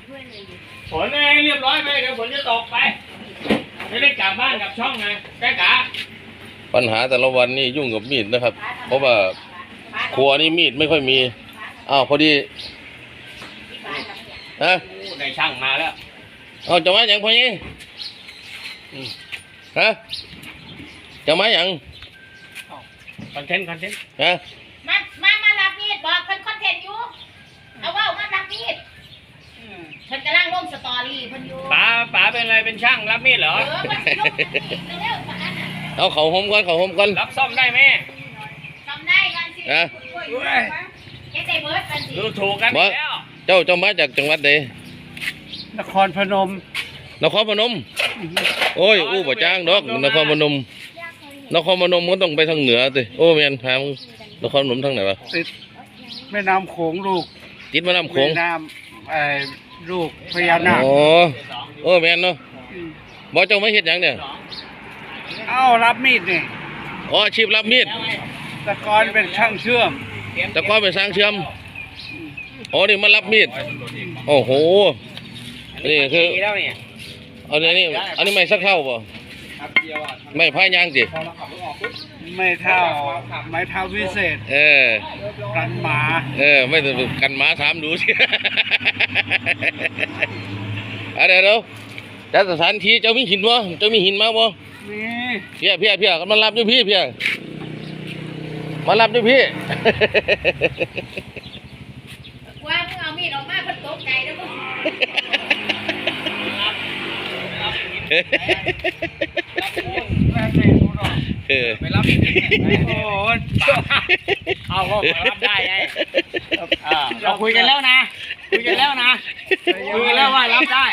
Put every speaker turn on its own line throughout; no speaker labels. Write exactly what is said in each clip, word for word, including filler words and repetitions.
ฝนให้เรียบร้อยไปเดี๋ยวฝนจะตกไปจะได้กลับบ้านกับช่องไงแก้กะ
ปัญหาแต่ละวันนี่ยุ่งกับมีดนะครับเพราะว่าครัวนี่มีดไม่ค่อยมีอ้าวพอดีฮะ
ได้ช่างมาแล้ว
เอาจะมาอย่างพอนี้ฮะจะมาอย่าง
คอนเทนต์คอนเทนต์
ฮะ
มามามารับมีดบอกเป็นคอนเทนต์อยู่เอาว่ามารับมีดฉันกำลังลงสตอรี่เพิ่นอยู่
ป๋าป๋าเป็นอะไรเป็นช่างรับมีดเหรอ
เออมันสิลงเร็วๆปานนั้นน่ะ
เอาเขาห่มก่อนเขาห่มก่อน
รับซ่อมได้ไหม
ซ่อมได้กันสิ
นะ
แกได้เบิร์ดกันสิ
ดูถูกกันแล้ว
เจ้าเจ้ามาจากจังหวัดใด
นครพนม
นครพนมโอ้ยอู้บ่จ้างดอกนครพนมนครพนมก็ต้องไปทางเหนือสิโอ้แม่นทางนครพนมทางไหนวะ
ติดแม่น้ำโขงลูก
ติดแม่น้ำโขง
แม่น้ำไอ้ลูกพญานาค
อ๋อโอ้แม่นเนาะบ่เจ้ามาเฮ็ดหยังเนี่ย
เอ้ารับมีดนี่
อ๋ออาชีพรับมีด
แต่ก่อนเป็นช่างเชื่อม
แต่ก่อนเป็นช่างเชื่อมอ๋อนี่มารับมีดโอ้โหนี่คือเอาเนี่ยนี่อันนี้ไม่สักเท่าป่ะไม่พายยางจิ
ไม่เท่าไม่เท่าพิเศษ
เออ
กันหมา
เออไม่ต้องกันหมาถามดูสิอะไรเดี๋ยวจัดสถานที่เจ้ามีหินบ่เจ้ามีหินมาบ่
มี
เพี้ยเพี้ยเพี้ยมันรับด้วยพี่เพี้ยมารับด้วยพี่
ว่ามึงเอามีดออกมาเพิ่นตกใจแล้วมึง
เออ
ไปรับโอ้เอาก็รับได้ไงเราคุยกันแล้วนะคุยกันแล้วนะคุยกันแล้วว่ารับได้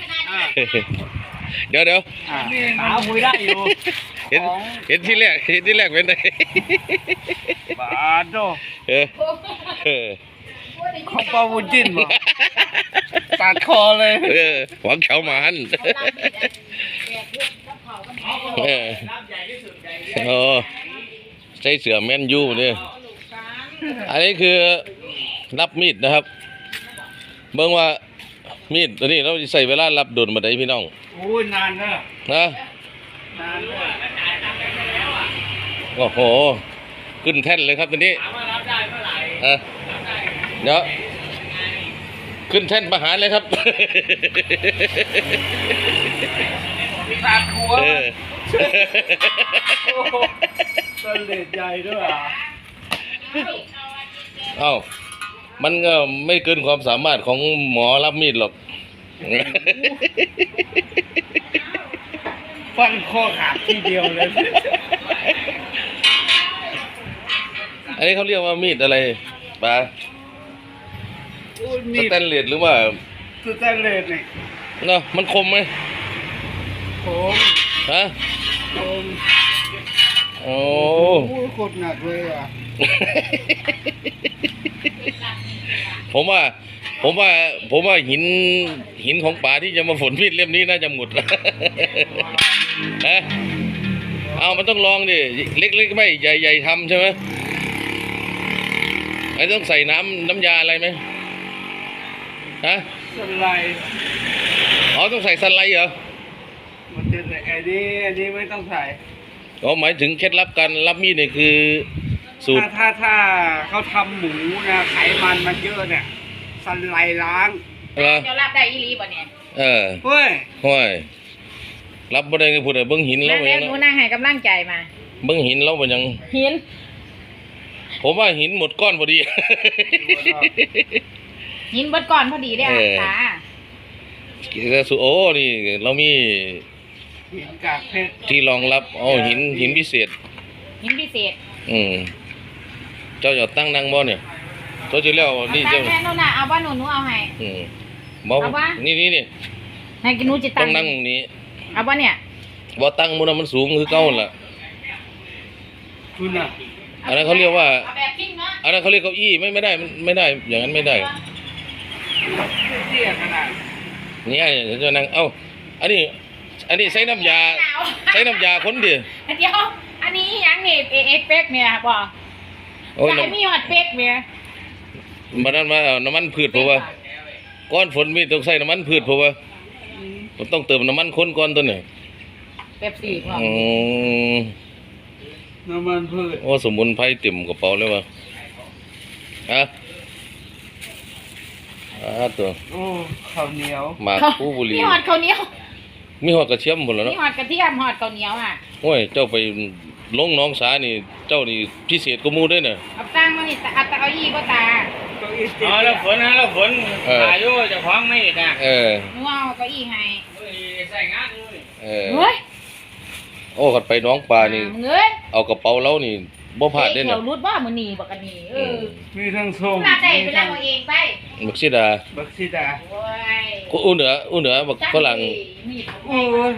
เดี๋ยวเดี๋ยว
สาวคุยได้อยู่
เห็นเห็นที่แรกเห็นที่แรกเป็นไง
บาดโด
เออเออ
ของปาวุ้นจิ้นบ่ตัดคอเลย
เออหวังเฉาหมันเออโอ้ใส่เสือแมนยูเนี่ยอันนี้คือรับมีดนะครับเบิ่งว่ามีดตัวนี้เราใส่เวลารับโดนมาได้พี่น้อง
โอ้ยนานนะ
นะ
นานเลย
โอ้โหขึ้นแท่นเลยครับตัวนี้อ่ะเดี๋ยวขึ้นแท่นประหารเลยครับ
ตาคัว
เออ
ต้นเล็ดใหญ่ด้วยอ่ะ
เอ้ามันก็ไม่เกินความสามารถของหมอรับมีดหรอก
ฟันคอขาดทีเดียวเลย
อันนี้เขาเรียกว่ามีดอะไรปะสแตนเลสหรือว่า
สแตนเลสนี่
เนาะมันคมไหม
คม
ฮะ
คม
โอ้
โหโคตรหนักเลยอ่ะ
ผมว่าผมว่าผมว่าหินหินของป่าที่จะมาฝนมีดเล่มนี้น่าจะหมดฮะเอามันต้องลองดิเล็กๆไม่ใหญ่ๆทำใช่ไหมไอ้ต้องใส่น้ำน้ำยาอะไรไหมฮะ
สไลด์
อ๋อต้องใส่สไลด์เหรอ
มันจะใส่ไอ้นี่อันนี้ไม่ต้องใส่
อ๋อหมายถึงเคล็ดลับการรับมีดเนี่ยคือสูตร
ถ้าถ้าเขาทำหมูนะไขมันมันเยอะเนี่ยสไลด์ล้าง
จะรับได้อีหลีบ่เนี่ย
เออ
เฮ้ย
เฮ้ยรับบ่ได้ก็พูดเลยเบิ้งหินแล้ว
เป็นยังหนูนั่งให้กำลังใจมา
เบิ้งหินแล้วเป็นยัง
หิน
ผมว่าหินหมดก้อนพอดี
หินหมดก้อนพอดีได้ค่ะ
แต่สุโอ้นี่เรามี
หินกากเพชร
ที่รองรับอ๋อหินหินพิเศษ
หินพิเศษ
อืมเจ้าจะตั้งนั่งบ่เนี่ยตัวที่แล้วนี่เจ้า
แม่นู่นน่ะเอาบ้านหนูหนูเอาให้
อืมบ่นี่นี่นี่
ให้กินหนูจิตั้ง
ต้องนั่งตรงนี้
เอาบ้านเนี่ย
บ่ตั้งมันมันสูงคือเก่าล่ะ
คุณน่ะ
อันนั้นเขาเรียกว่าอันนั้นเขาเรียกเก้าอี้ไม่ไม่ได้ไม่ได้อย่างนั้นไม่ได้นี่จะนั่งเอ้าอันนี้อันนี้ใช้น้ำยาใช้น้ำยาคนเดียว
เดี๋ยวอันนี้ยังนี่เอฟเฟกต์เนี่ยบ่ใช่มีหอดเฟกต์เนี่ย
มันนั่นมาน้ำมันพืชเพราะว่าก้อนฝนมีต้องใส่น้ำมันพืชเพราะว่ามันต้องเติมน้ำมันข้นก่อนตัวเนี่ย
เป๊ปซี่พร้อม
อืม
น้ำมันพืช
โอ้สมุนไพรเต็มกระเป๋าเลยวะอ่ะอ่าตัว
โอ้ข้าวเหนียว
หมากผู้บุหรี
มีหอดข้าวเหนียว
มีหอดกระเทียมหมดแล้ว
มี
เนาะ
หอดกระเทียมหอดข้าวเหนียวอ่ะ
โอ้ยเจ้าไปลงหน้องสานี่เจ้านี่พิเศษกว่าหมู่เด้วยเนี่ย
เอาตั้งมานี่เอาตะเอาอี้บ่ตา
เก้าอี้ติด
อ๋อแล้วฝนนะแล้วฝน
เออ
อายุเจะคล้าของไม่นะ
เออ
หนูเอาเก้าอี้ให้
เฮ้ยใส่งานเลย
เออ
เฮ้ย
โอ้กัดไปหน้องปลานี่
มึงเอ้ย
เอากระเป๋าเรานี่บ่พลาดได้
เขี
เนาะ
ยวรุดบ่มื้อนี้บ่กันนี่เออ
มีทั้งส้ม
ลาได้ไปแล้วเอาเองไป
บักซิดา
บักซิดา
โอ้ย
กูอู้เหนืออู้เหนือบักฝรั่ง
มีด
โอ้ย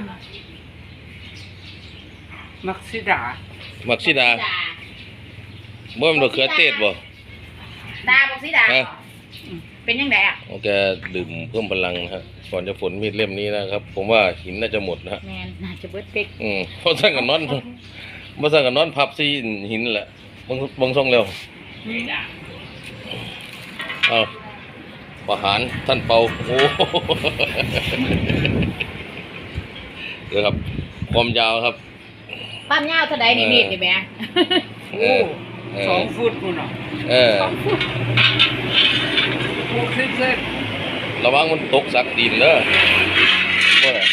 มักซิดา
บักซิดาบ่แมันบักเขือเทศบ่
ดาบอกสิดา
ฮะ
เป็นยังไงอ่ะ
โอเคดื่มเพิ่มพลังนะครับก่อนจะฝนมีดเล่มนี้นะครับ ผมว่าหินน่าจะหมดนะฮะ
แมนน่าจะเบิดเป็ก
อืมเพราะสั่งกันนอนบ่สั่งกันนอนพับซีหินแหละบางบางส่งเร็วเอาประหารท่านเปาโอ้ เดี๋ยวครับ ความยาวครับ
ปั้มยาวเท่าใดนี่มีดนี่แหม่
เอ
โอ้
อเออ
สองฟุตคุณอ่ะ
เออ
หกสิบเซน
ระวังมันตกสักดินเด้อว่าน่ะ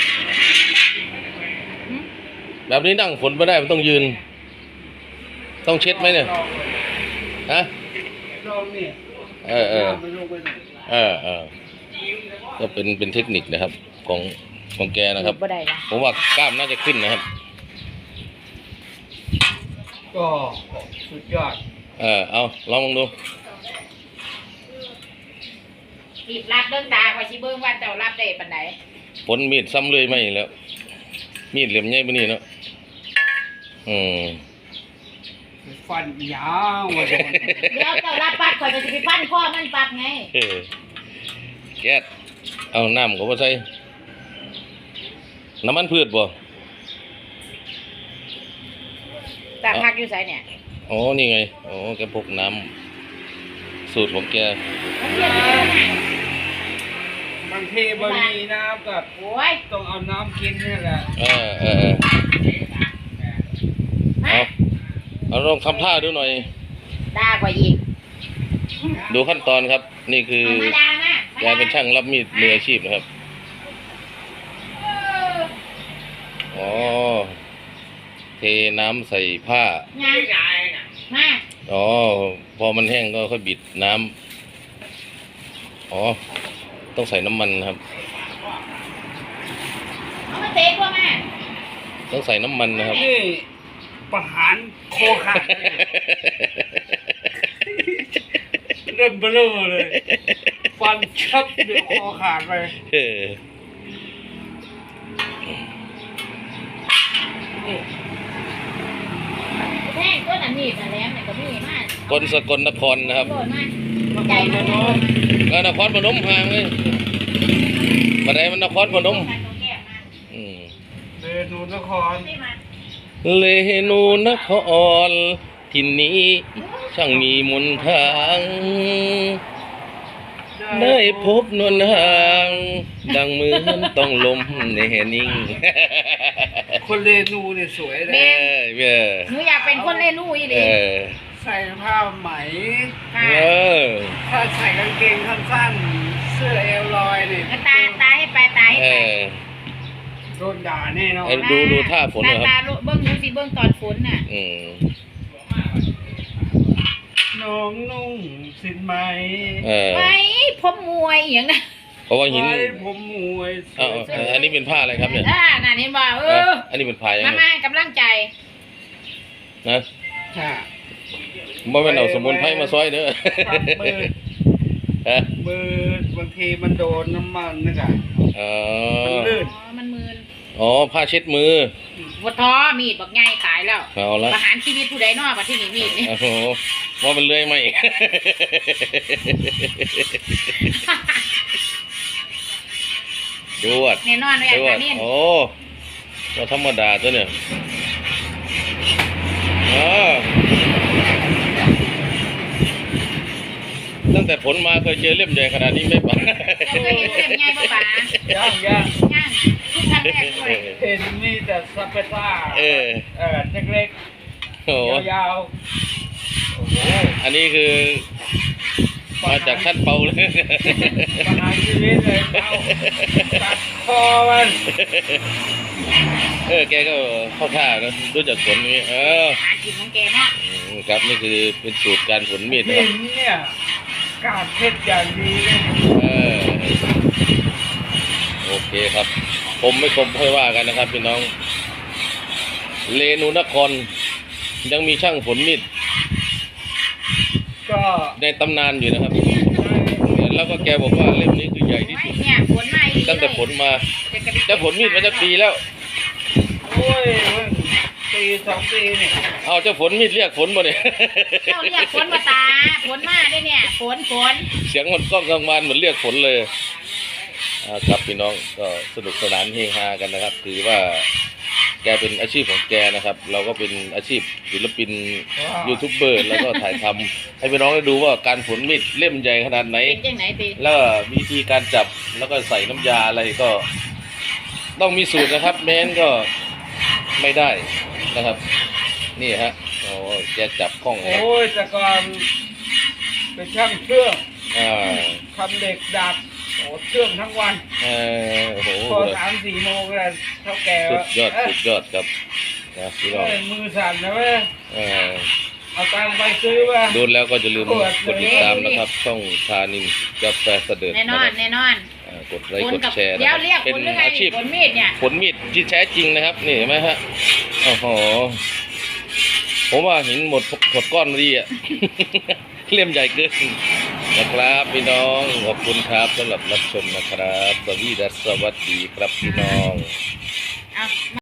แบบนี้นั่งฝนไม่ได้มันต้องยืน ต้องเช็ดไหมเนี่ยฮะ
ลองนี่
เออเออ
น้ำมันลงไปหน่อย
เออเออก็เป็นเป็นเทคนิคนะครับ ของของแกนะครับ
บ่ได้นะ
ผมว่ากล้ามน่าจะขึ้นนะครับ
ก็สุดยอด
เออเอาลองดู
รีบรับเดินตาคอยสิเบิ่งว่าเจ้ารับได้ปานใด
ฝนมีดซ้ำเลยไม่แล้ว มีดเหลี่ยมใหญ่ปานนี้เนาะอืม
ฟันยาวว่าจะ
เดี๋ยวเจ้ารับปัดคอยจะสิไปพันคอมันปัดไง
เออแก๊สเอาน้ำก็มาใส่น้ำมันพืชบ่
ตาพักอยู่ไสเนี่ย
อ๋อนี่ไงอ๋อแกพกน้ำสูตรของแก
บางทีบะหมี่น้ำกับ
โอ้ย
ต้องเอาน้ำกินนี่แหละ
เออเออเออ
มา
เอาเอาลองทำท่าดูหน่อย
ด่าคอยอีก
ดูขั้นตอนครับ นี่คือ
เอามาด่ามา
แกเป็นช่างรับมีดมืออาชีพนะครับ อ๋อ เทน้ำใส่ผ้า
งานมา
อ๋อ พอมันแห้งก็ค่อยบิดน้ำอ๋อ ต้องใส่น้ำมันนะครับ
เอามาเตะพวกมา
ต้องใส่น้ำมันนะครับ
นี่ประหารโคขาดเริ่มเบลอเลย ฟันชับเดี๋ยวคอขาดไป
เออ
แท่งต้นอันนี้แต่แหลมเนี่ยก็มีมาก
คนสกลนครนะครับ
โดนมากใจมันโดน
ก็นครพนมห่างเลยมาได้มันนครพนมอืม
เดนูนคร
เลนูนครที่นี้ช่างมีมนต์ทาง ได้พบนวลห่าง ดังเหมือนต้องลมในแหนิ่ง
คนเรนูเนี่ยสวยเล
เอย อเออ
หนูอยากเป็นคนเล่นลู่อีห
เอ
ลี
อ
ใส่ผ้าไหม
ค่ะ
เออ
ถ้าใส่กางเกงสั้นๆเสื้อเอวลอยนี่
ตาตาให้ไปตาให้
เอ
ไป
อ
โดนด่าแน่นอน
เอ้ย ดูดูท่าฝนหน่อยครับ
ตาตาเบิ้งหนูสิเบิ้งตอนฝนน่ะ
อืม
น้องนุ่งสินไหม
เออ
ไว้ผมมวยอหย่างนั้น
เพราะว่าหิน
ไว้ผมมวยส
เอ้า
วย
เอาอันนี้เป็นผ้าอะไรครับเนี่ย
อ่าน่ะเห็นบ่เออ
อันนี้เป็นผ้ายัง
มา
ไง
มาให้กำลังใจ
นะ
ค่ะ
บ่แม่นเอาสมุนไพรมาซอยเด้อ
ครับมือ
ฮะ
มือบางทีมันโดนน้ำมันนะจ๊ะ
อ๋อ
มันลื่น
อ๋อมันมืน
อ๋อผ้าเช็ดมือ
วัดท้อมีดบักไงตายแล้ว
เอาละ
ประหารชีวิตผู้ใดนอกมาที่นี่มีดนี่
โอ้โหว่ามันเลื่อยไหม จวด
แน่นอนเลย
จว
อา
ด
จารย์นี่
โอ้ว่าธรรมดาตัวเนี่ยอ๋อตั้งแต่ผลมาเคยเจอเล่มใหญ่ขนาดนี้ไหมป๋า
เราเคยเห็นเล่มใหญ่ป่ะป๋า
ย่างย่าง
ย่างทุกครั้งแรกด้วย
เห็นนี่แต่สเปซ่า
เออ
เออเล็ก
โอ้โห
ๆยาวๆโอ้โห
อันนี้คือมาจากท่านเปาเลย
ปัญหาชีวิตเลยเอาตัดคอมัน
เออแกก็เข้าท่านะรู้จักผลนี้เออ
หากินของแกเนาะ
อืมครับนี่คือเป็นสูตรการผลมีดนะค
หิ
รับ
นเนี่ยกาดเพชรอย่างดีเลย
เออโอเคครับ ผมไม่คมค่อยว่ากันนะครับพี่น้อง เลนูนครยังมีช่างผลมีด
ก็
ในตำนานอยู่นะครับ แล้วก็แกบอกว่าเล่มนี้คือใหญ่ที่สุด
เนี่ยผลมาอีก
ตั้งแต่ผลมาจะผลมีดมาจะปีแล้ว
โอ้ยเว้ยปีสองปีนี่
เอาเจ้าฝนมีดเรียกฝนมาเนี่ย
เจ้าเรียกฝนมาตาฝนมาได้เนี่ยฝนฝน
เสียงมันก้องกลางวันเหมือนเรียกฝนเลยอ่าครับพี่น้องก็สนุกสนานเฮฮากันนะครับถือว่าแกเป็นอาชีพของแกนะครับ เราก็เป็นอาชีพศิลปินยูทูบเบอร์แล้วก็ถ่ายทำให้พี่น้องได้ดูว่าการผลมีดเล่มใหญ่ขนาดไหน
เป็นจังไหนตี
แล้วก็วิธีการจับแล้วก็ใส่น้ำยาอะไรก็ ต้องมีสูตรนะครับ แม้นก็ไม่ได้นะครับ นี่ฮะโอ้แกจับคล่องเลย
โอ้ยแต่ก่อนเป็นช่างเครื่อง
อ่า
ทำเหล็กดัดโอ้เครื่องทั้งวัน
เออโอ้โห
พอสามสี่โมงก็เท่าแก่
สุดยอด
เอ้
สุดยอดครับนะพี่น้อง
เอ้ยมือสั่นนะเว้ย
เออ
เอาตังค์ไปซื้อว่า
ดูแล้วก็จะลืมกดติดตามนะครับ ช่องชานินกาแฟเสด็จ
แน่น
นะ
อ
คน รับ
แน่นอน
อ่ากดไลค์
ฝน
กด
กับ
แชร์นะ
เดี๋
ค
ยว
รับ
เรียก
เป็
ฝ
น
นหรือไง
อาชีพ
ฝนมีดเนี่ย
ผลมีดที่แท้จริงนะครับนี่เห็นไหมฮะโอ้โหผมว่าหินหมดหมดก้อนดีอ่ะ เล่มใหญ่เกินนะครับพี่น้องขอบคุณครับสำหรับรับชมนะครับสวัสดีและสวัสดีครับพี่น้อง
เอา